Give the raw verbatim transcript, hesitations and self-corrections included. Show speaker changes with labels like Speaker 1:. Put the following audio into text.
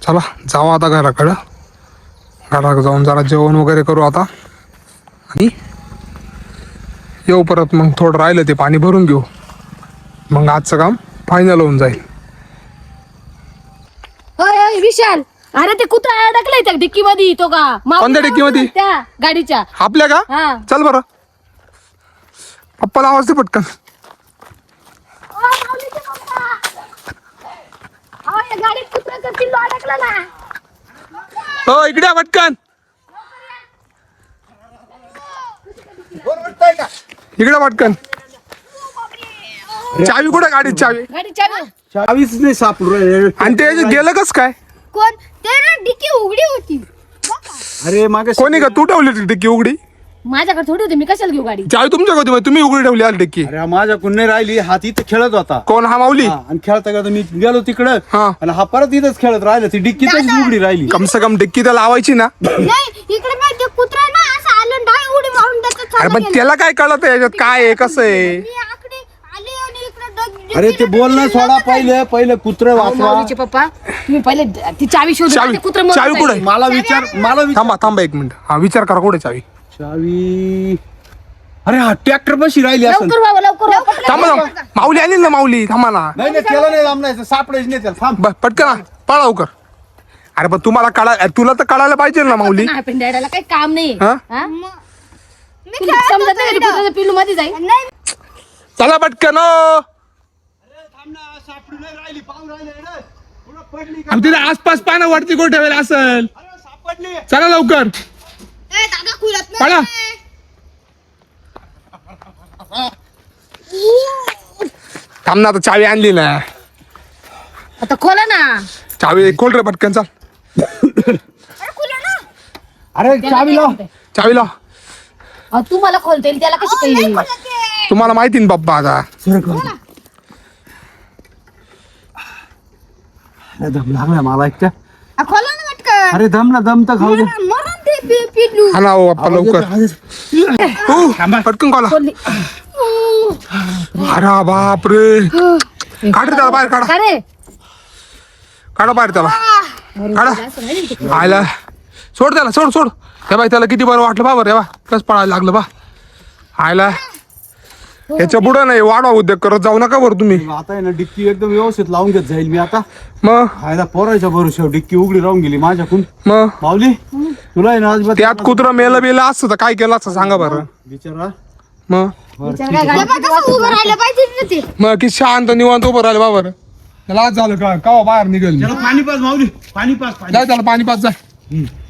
Speaker 1: चला जाऊ आता घराकडं. घराकडं जाऊन जरा जेवण वगैरे करू आता आणि येऊ परत. मग थोडं राहिलं ते पाणी भरून घेऊ, मग आजचं काम फायनल होऊन जाईल.
Speaker 2: होय होय विशाल, अरे ते कुत्रा अडकलाय त्या डिक्की मध्ये. तो का
Speaker 1: कोणत्या डिक्कीमध्ये?
Speaker 2: त्या गाडीच्या.
Speaker 1: आपल्या का?
Speaker 2: हा.
Speaker 1: चल बरं, पप्पाला आवाज दे पटकन.
Speaker 2: गाडीत कुत्रा पिल्लू अडकला ना.
Speaker 1: हो इकडे या पटकन, इकडे पटकन. चावी कुठे गाडीत? चावी
Speaker 2: गाडी चावी
Speaker 3: चावीच नाही सापडू राहिली.
Speaker 1: आणि ते गेलं कस काय?
Speaker 2: कोण ते ना डिक्की उघडी होती.
Speaker 3: अरे मागे
Speaker 1: कोणी का तू ठेवली होती डिक्की उघडी?
Speaker 2: माझ्याकडे थोडी होती, मी कशाला घेऊ गाडी?
Speaker 1: चावी तुमच्या होती, तुम्ही उघडी ठेवली आली डिक्की.
Speaker 3: अरे माझ्या कुणी राहिली, हात इथं खेळत होता.
Speaker 1: कोण? हा माऊली.
Speaker 3: हा, आणि खेळता खेळता मी गेलो तिकडं
Speaker 1: हा.
Speaker 3: आणि हा परत इथंच खेळत राहिला. ती डिक्की तशीच उघडी राहिली.
Speaker 1: कम से कम डिक्की तर लावायची ना.
Speaker 2: नाही इकडे नाही, ते कुत्रा ना असं आलं डाय उडी मारून देतो.
Speaker 1: अरे पण त्याला काय कळत याच्यात काय आहे कसं आहे?
Speaker 2: मी आकडे आले आणि इकडे
Speaker 3: अरे ते बोलणं सोडा, पहिले पहिले कुत्र वाचवा.
Speaker 2: माऊलीचे पप्पा तुम्ही पहिले ती चावी शोधून
Speaker 1: चावी-
Speaker 2: ते कुत्रं मरून
Speaker 1: चावी
Speaker 2: जाईल.
Speaker 1: कुठे?
Speaker 3: मला विचार मला विचार
Speaker 1: थांबा थांबा एक मिनिट. हा विचार करा कुठे चावी.
Speaker 3: चावी. अरे हा ट्रॅक्टर बशी राहिली असेल.
Speaker 2: लवकर व्हावं लवकर व्हावं.
Speaker 1: थांबा थांबा, माऊली आली ना माऊली. थांबा ना.
Speaker 3: नाही नाही त्याला नाही लांबणायचं, सापडायचं नाही त्याला. थांब.
Speaker 1: ब- पटकन आ, पळा लवकर. अरे पण तुम्हाला कळा, तुला तर कळायला पाहिजे ना माऊली.
Speaker 2: नाही, पण डॅडाला काही काम नाही.
Speaker 1: हा?
Speaker 2: हा? तुला समजत नाही का ते कुत्र्याचं पिल्लू मध्ये जाईल?
Speaker 1: चला पटकन ओ.
Speaker 3: थांब ना, सापडू नाही राहिली, पाहून राहिली रे. पुढं पडली का?
Speaker 1: आणि तिथे आसपास पानं वरती कुठे ठेवेल असेल.
Speaker 3: अरे सापडली.
Speaker 1: चला लवकर पळा. थांब ना, आता चावी आणली ना.
Speaker 2: आता खोला ना.
Speaker 1: चावी खोल रे पटकन. चल
Speaker 3: अरे चावी लाव.
Speaker 1: चावी लाव.
Speaker 2: अहो, तू मला खोलता येईल, त्याला कशी काही येईल?
Speaker 1: तुम्हाला माहिती ना पप्पा आता.
Speaker 3: अरे दम लागला मला एकट्या.
Speaker 2: खोला ना पटकन.
Speaker 3: अरे दम ना, दम तर खाऊ दे.
Speaker 2: मरून ते पि- पिल्लू.
Speaker 1: हा ना हो पप्पा लवकर. हो, पटकन खोला.
Speaker 2: खोलली.
Speaker 1: अरे बाप रे. काढ रे त्याला बाहेर. काढा
Speaker 2: का रे?
Speaker 1: काढा बाहेर त्याला. काढा. आयला सोड त्याला, सोड सोड. हे बाई त्याला किती बरं वाटलं बा. बरं हे बा कस पळायला लागलं बा. आयला याच्या पुढं नाही वाढवा उद्योग करत जाऊ नका बरं तुम्ही.
Speaker 3: आता आहे ना डिक्की एकदम व्यवस्थित लावून घेत जाईल मी आता.
Speaker 1: मग
Speaker 3: खायला पोरायच्या भरोश्यावर डिक्की उघडी राहून गेली माझ्याकडून.
Speaker 1: मग
Speaker 3: माऊली तुला आहे ना अजिबात
Speaker 1: त्यात कुत्र मेलं बेलं असतं तर काय केलं असतं सांगा बरं.
Speaker 3: बिचारा.
Speaker 1: मग
Speaker 2: विचार काय गाडी- उभं राहिलं पाहिजे ना ते.
Speaker 1: मग किती शांत निवांत उभं राहिलं बाबर. त्याला आज झालं का कवा बाहेर निघेल.
Speaker 3: त्याला पाणी पाच माऊली, पाणी पाच पाणी.
Speaker 1: जाय त्याला पाणी पाच जाय.